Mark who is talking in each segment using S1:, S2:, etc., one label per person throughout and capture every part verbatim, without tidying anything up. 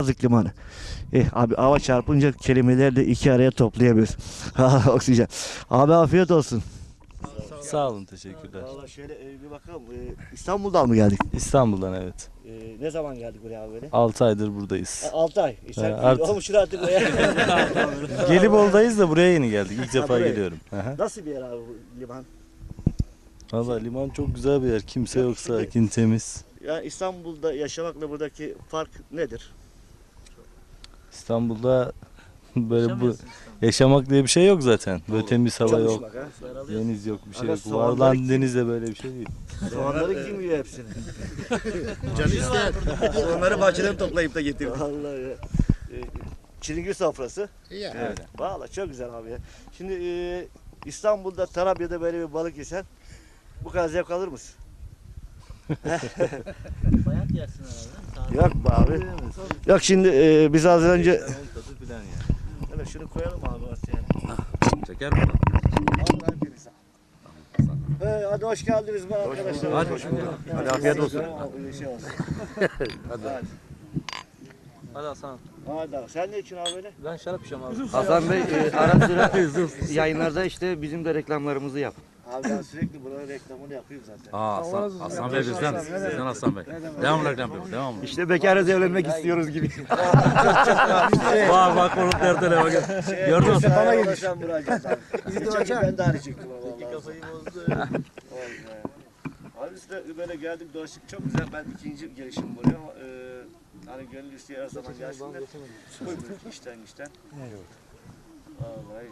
S1: Kazık Limanı. Eh, abi hava çarpınca kelimeleri de iki araya toplayamıyoruz. Oksijen. Abi afiyet olsun.
S2: Sağ olun, teşekkürler.
S1: Valla şöyle e, bir bakalım. E, İstanbul'dan mı geldik?
S2: İstanbul'dan evet.
S1: E, ne zaman geldik buraya abi böyle?
S2: altı aydır buradayız.
S1: altı ay. E, sen
S2: Ha, artık-
S1: olmuşsun artık buraya.
S2: Gelibolu'dayız da buraya yeni geldik. İlk
S1: Ha,
S2: defa
S1: buraya.
S2: geliyorum. Aha.
S1: Nasıl bir yer abi bu liman?
S2: Valla liman çok güzel bir yer. Kimse yok, sakin, temiz.
S1: Yani İstanbul'da yaşamakla buradaki fark nedir?
S2: İstanbul'da böyle bu yaşamak diye bir şey yok zaten. Böyle temiz hava yok,
S1: Çalışmak ha.
S2: deniz yok, bir şey
S1: Ama
S2: yok.
S1: soğanları
S2: Var lan
S1: kim-
S2: denizde böyle bir şey değil.
S1: Soğanları kim yiyor hepsini?
S3: Canı ister. Onları bahçeden toplayıp da getirdim.
S1: Vallahi ya. E, Çilingir sofrası.
S2: Evet.
S1: Valla çok güzel abi ya. Şimdi e, İstanbul'da Tarabya'da böyle bir balık yesen bu kadar zevk alır mısın?
S4: Bayat yersin herhalde.
S1: Yok be abi. Yok şimdi e, biz az önce
S2: Tadı filan yani.
S1: hele şunu koyalım abi ortaya.
S5: Çeker mi?
S1: Vallahi hepiniz. Hey, hadi hoş geldiniz be arkadaşlar.
S5: Hadi hoş bulduk. Hadi afiyet olsun.
S1: Bir şey olsun.
S5: Hadi.
S1: Hadi.
S4: Hadi Hasan.
S1: Hadi abi. Sen ne için abi böyle?
S4: Ben şarap içiyorum abi.
S3: Hasan Bey e, ara sıra yayınlarda işte bizim de reklamlarımızı yap.
S1: Abi ben sürekli buranın reklamını yapıyorum zaten.
S5: Aa, Hasan, Hasan Bey bizden. Bizden Hasan Bey. Devam reklam yapıyor. Devam.
S3: İşte bekarız evlenmek istiyoruz gibi.
S5: Bak bak onun derdine bak.
S1: Şey,
S5: Gördün mü?
S1: Bana ulaşan müracaat abi. Geçen gün ben de aynı çektim ama vallahi.
S4: Kafayı bozdu.
S1: Vallahi. Abi biz de böyle geldik dolaştık çok güzel. Ben ikinci gelişim buraya ama e, hani gönül isteyen her zaman gelsin de koymuyoruz işten işten. Vallahi.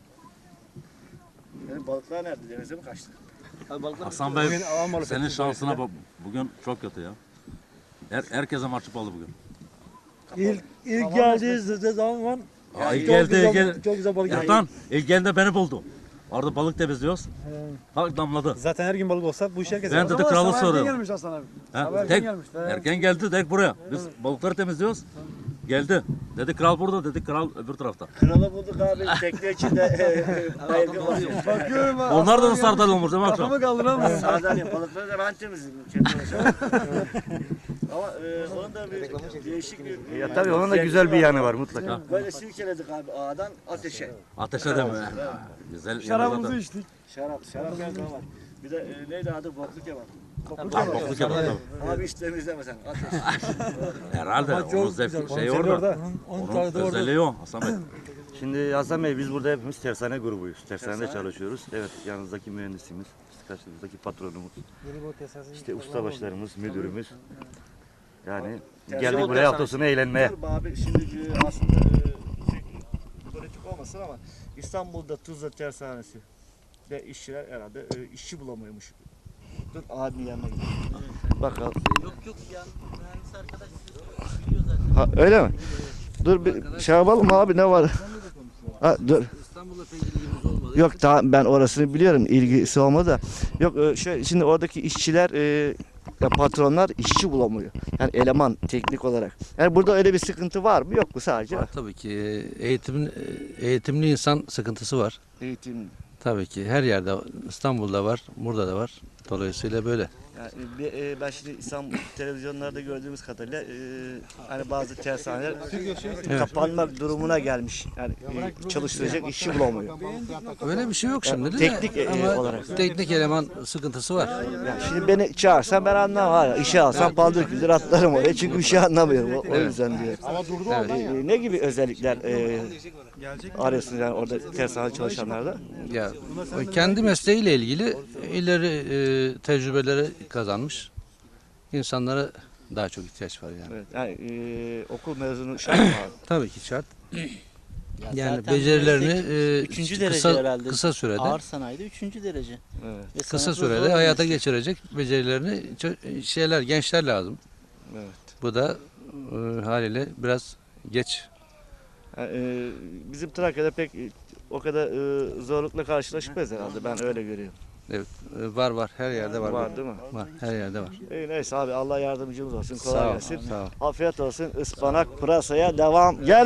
S1: Yani balıklar nerede? Denize mi kaçtı?
S4: Abi balıklar
S5: Hasan Bey senin şansına bak. Bugün çok kötü ya. Her, herkese marşı aldı bugün.
S6: İlk, ilk geldiğinizde zaman
S5: Aa, ilk
S6: çok
S5: geldi,
S6: güzel,
S5: ilk geldi.
S6: çok güzel balık geldi.
S5: Yatan, ilk geldi beni buldu. Orada balık temizliyoruz. Bak damladı.
S6: Zaten her gün balık olsa bu iş herkes
S5: Ben dedi kralı soruyorum.
S6: gelmiş Hasan abi.
S5: Ha,
S6: Sabah erken
S5: tek,
S6: gelmiş, he.
S5: erken geldi direkt buraya. Biz balıkları temizliyoruz. Geldi. Dedi kral burada, dedi kral öbür tarafta.
S1: Kralı bulduk abi tekne içinde. Baygın var.
S6: Bakıyorum ha.
S5: Onlar da sardalya olmuş değil mi akşam?
S6: Kafamı kaldıramıyorum.
S1: Sardalya balıkları da ben temizledim. Kendi başıma. Ama e, onun da bir değişik bir...
S3: Ya tabii onun da güzel bir yanı var mutlaka.
S1: Böyle silkeledik abi ağdan ateşe.
S5: Ateşe de mi? Güzel.
S6: Şarabımızı
S5: yanında
S6: içtik.
S1: Şarap, şarap geldi var. Bir de e, neydi adı? Boklu kebap.
S5: da- Bokluk yapar tabii.
S1: Abi hiç temizleme sen. Ateş.
S5: Herhalde. Onun zevk şey orada. Onun özelliği o Hasan Bey.
S3: Şimdi Hasan Bey biz burada hepimiz tersane grubuyuz. Tersanede çalışıyoruz. Evet yanınızdaki mühendisimiz, karşınızdaki patronumuz, işte ustabaşlarımız, müdürümüz. Yani geldik buraya hafta sonu eğlenmeye.
S1: Dur be abi şimdi e, aslında e, şey, politik olmasın ama İstanbul'da Tuzla Tersanesi de işçiler herhalde e, işçi bulamıyormuş. Dur abi yanına gidelim. Bakalım.
S4: Yok yok yani mühendis arkadaş biliyor zaten.
S1: Ha, öyle mi? Dur bir şey yapalım abi ne var? Ha, dur.
S4: İstanbul'la pek ilgimiz olmadı.
S1: Yok daha ben orasını biliyorum ilgisi olmadı da. Yok e, şöyle şimdi oradaki işçiler e, ya patronlar işçi bulamıyor. Yani eleman teknik olarak. Yani burada öyle bir sıkıntı var mı yok mu sadece?
S7: Var tabii ki. Eğitim, eğitimli insan sıkıntısı var.
S1: Eğitim.
S7: Tabii ki her yerde, İstanbul'da var, burada da var. Dolayısıyla böyle.
S1: Yani bir, e, ben şimdi İstanbul televizyonlarda gördüğümüz kadarıyla e, hani bazı tersaneler kapanmak durumuna gelmiş. Yani e, çalıştıracak işçi bulamıyor.
S7: Öyle bir şey yok şimdi de.
S1: teknik, e,
S7: Ama
S1: olarak.
S7: teknik eleman sıkıntısı var.
S1: Yani şimdi beni çağırsan ben anlamam. Var. İşe alsam paldır küldür atlarım oraya çünkü işi anlamıyorum. O, o yüzden diyor.
S7: Evet.
S1: E, ne gibi özellikler e, arıyorsunuz yani orada tersane çalışanlarda?
S7: Ya o kendi mesleğiyle ilgili ileri e, tecrübeleri kazanmış insanlara daha çok ihtiyaç var yani.
S1: Evet, yani e, okul mezunu şart mı abi?
S7: Tabii ki şart. Yani
S4: zaten
S7: becerilerini
S4: meslek
S7: e,
S4: üçüncü derece
S7: kısa,
S4: herhalde.
S7: kısa sürede
S4: Ağır sanayide üçüncü derece.
S1: Evet.
S4: Ve
S7: kısa
S4: sanatı
S7: sürede
S4: zor bir
S7: hayata
S4: meslek.
S7: geçirecek becerilerini çö- şeyler gençler lazım.
S1: Evet.
S7: Bu da e, haliyle biraz geç.
S1: Yani, e, bizim Trakya'da pek e, o kadar e, zorlukla karşılaşmayız herhalde. Ben öyle görüyorum.
S7: Evet, e, var var her yerde var.
S1: Var değil mi?
S7: Var her yerde var.
S1: E, neyse abi Allah yardımcımız olsun. Kolay
S7: Sağ ol.
S1: gelsin.
S7: Sağ ol.
S1: Afiyet olsun. Ispanak pırasaya devam. Gel.